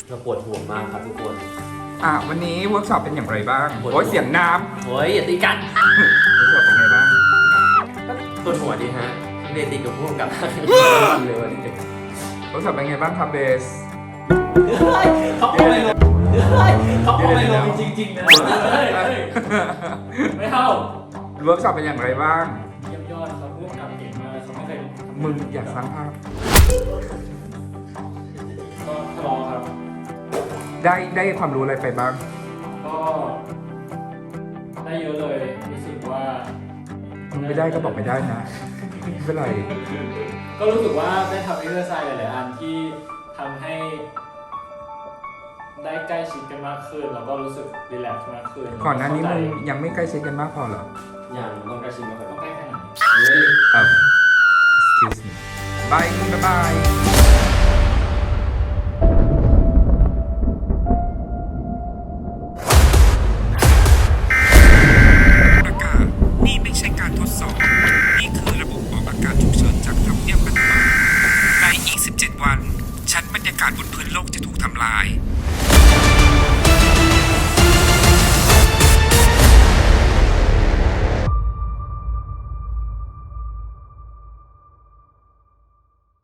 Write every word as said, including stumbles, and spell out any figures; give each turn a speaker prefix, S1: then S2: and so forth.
S1: เราปวดหัวมากครับทุกคน
S2: อ่ะวันนี้เวิร์กช็อปเป็นอย่างไรบ้างโอ้ยเสียงน้ำ
S1: โอ้ยอย่าตีกัน
S2: เวิร์กช็อปเป็นไงบ้าง
S1: ปวดหัวดีฮะเรียนตีกับพวกกับเลยวันนี้
S2: เวิร์กช็อปเป็นไงบ้างครับเบส
S1: เขาเอาไม่ลงเขาเอาไม่ลงจริงๆนะไม่เข้า
S2: เวิร์กช็อปเป็นอย่างไรบ้าง
S1: เยี่ยมยอดเขาพูดกับเก่งมากเขาไม่เคย
S2: มึงอยากสร้างภาพ
S1: ก็ทะเลาะครับ
S2: ได้ได้ความรู้อะไรไปบ้าง
S1: ก็ได้เยอะเลยรู้สึกว่า
S2: มึงไม่ได้ก็บอกไม่ได้นะไม่เป็นไร
S1: ก็รู้สึกว่าได้ทำเอ็กซ์เซอร์ไซส์หลายๆอันที่ทำให้ได้ใกล้ชิดกันมากขึ้นแล้วก็รู้สึกรีแลกซ์มากขึ้น
S2: ก่อนหน้านี้มึงยังไม่ใกล้ชิดกันมากพอเหรอ
S1: ยังต้องใกล้ชิดมากกว่าต้องใกล้แค่ไหน
S2: เอ่อ excuse me bye มึงบ๊ายบายนี่ไม่ใช่การทดสอบนี่คือระบบออกอากาศฉุกเฉินจากทำเนียบรัฐบาลในอีกสิบเจ็ดวันชั้นบรรยากาศบนพื้นโลกจะถูกทำลาย